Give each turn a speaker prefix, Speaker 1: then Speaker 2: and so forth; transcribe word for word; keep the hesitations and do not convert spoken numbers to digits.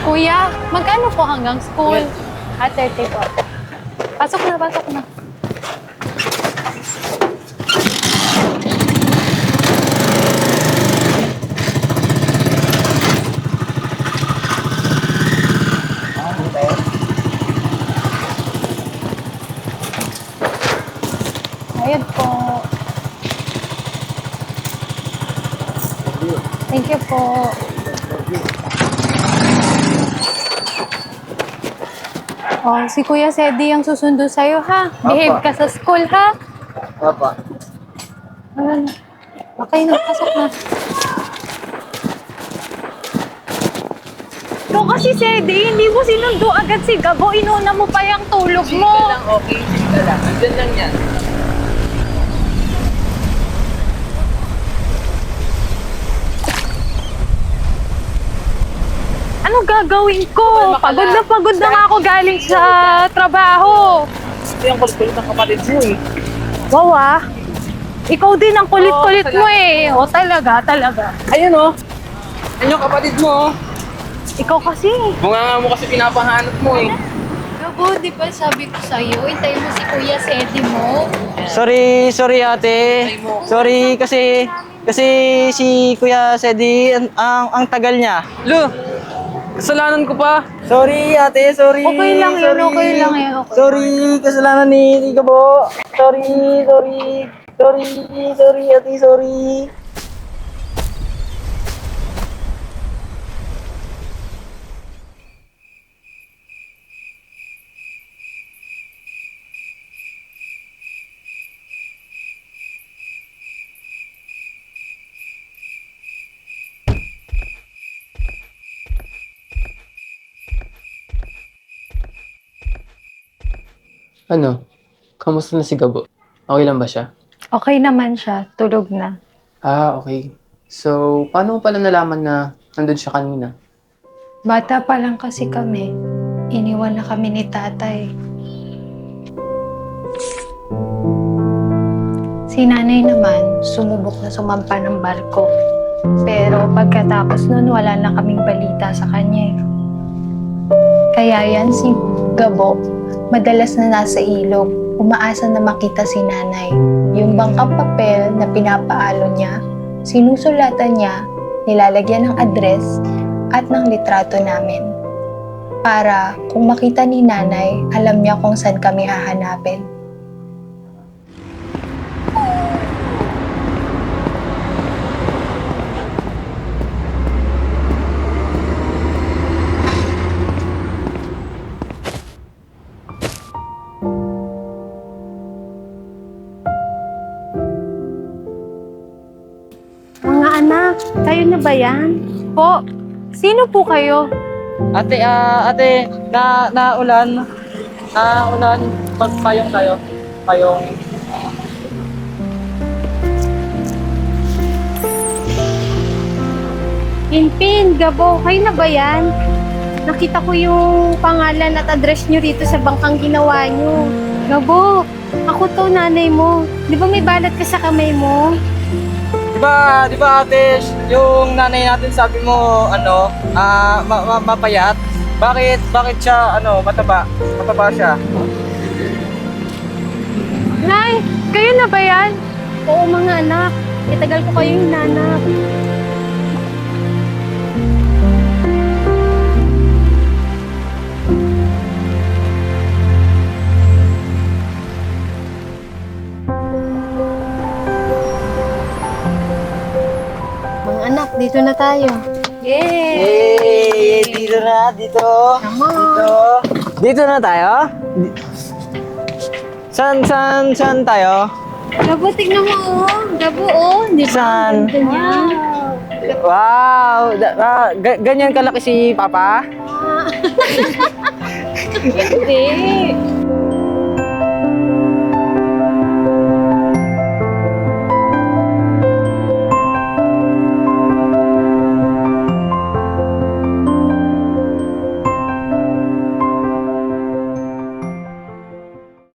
Speaker 1: Kuya, magkano po hanggang school? Ah, thirty po. Pasok na, pasok na. Ayun po. Thank you po. Oh, si Kuya Sedi ang susundo sa'yo, ha? Behave ka sa school, ha?
Speaker 2: Papa.
Speaker 1: Ano? Okay na, pasok na. Ikaw kasi, Sedi, hindi mo sinundo agad si Gabo. Inuna mo pa yung tulog
Speaker 2: Chill
Speaker 1: mo.
Speaker 2: ka lang, okay? Chill ka lang. Nandyan lang yan.
Speaker 1: Ano gagawin ko?
Speaker 2: Kumalma ka
Speaker 1: Pagod na
Speaker 2: lang.
Speaker 1: pagod na nga ako galing sa trabaho.
Speaker 2: Ito yung kulit-kulit ng kapatid mo eh.
Speaker 1: Wow, ah. Ikaw din ang kulit-kulit
Speaker 2: Oo,
Speaker 1: mo eh. O talaga, talaga.
Speaker 2: Ayun oh. Ayun yung kapatid mo oh.
Speaker 1: Ikaw kasi.
Speaker 2: Bunga nga mo kasi pinapahanap mo eh.
Speaker 1: Gabo, di ba sabi ko sa'yo, hintayin mo si Kuya Sedi mo.
Speaker 3: Sorry, sorry ate. Sorry kasi kasi si Kuya Sedi ang ang, ang tagal niya.
Speaker 2: Lo, kasalanan ko pa.
Speaker 3: Sorry ate, sorry.
Speaker 1: Okay lang yun,
Speaker 3: sorry.
Speaker 1: okay lang yun, okay.
Speaker 3: Sorry, kasalanan ni ni Gabo. Sorry, sorry. Sorry, sorry ate, sorry.
Speaker 4: Ano? Kamusta na si Gabo? Okay lang ba siya?
Speaker 1: Okay naman siya, tulog na.
Speaker 4: Ah, okay. So, paano mo pala nalaman na nandun siya kanina?
Speaker 1: Bata pa lang kasi kami. Iniwan na kami ni tatay. Si nanay naman, sumubok na sumampa ng barko. Pero pagkatapos nun, wala na kaming balita sa kanya. eh. Kaya yan si Gabo, madalas na nasa ilog, umaasa na makita si nanay. Yung bangkang papel na pinapaalo niya, sinusulatan niya, nilalagyan ng address at ng litrato namin. Para kung makita ni nanay, alam niya kung saan kami hahanapin. Mga anak, kayo na ba yan? Po, sino po kayo?
Speaker 3: Ate, ah, ate, na naulan. Naulan. Magpayong tayo. Payong.
Speaker 1: Pinpin, Gabo, kayo na ba yan? Nakita ko yung pangalan at address nyo rito sa bangkang ginawa nyo. Gabo, ako to nanay mo. Di ba may balat ka sa kamay mo?
Speaker 3: Di ba, di ba ate, yung nanay natin sabi mo, ano, ah, ma- ma- mapayat? Bakit, bakit siya, ano, mataba? Mataba siya.
Speaker 1: Nay, kayo na ba yan? Oo mga anak, itagal ko kayo hinanap. Mga anak, dito na tayo. Yay!
Speaker 3: Yay! Dito na, dito. Dito. Dito na tayo? Di- San, san, san tayo?
Speaker 1: Gabo, tignan mo oh. Gabo oh. Di ba?
Speaker 3: Saan?
Speaker 1: Ang ganda niya.
Speaker 3: Wow! Da- ah, ga- ganyan kalaki si Papa?
Speaker 1: Hindi.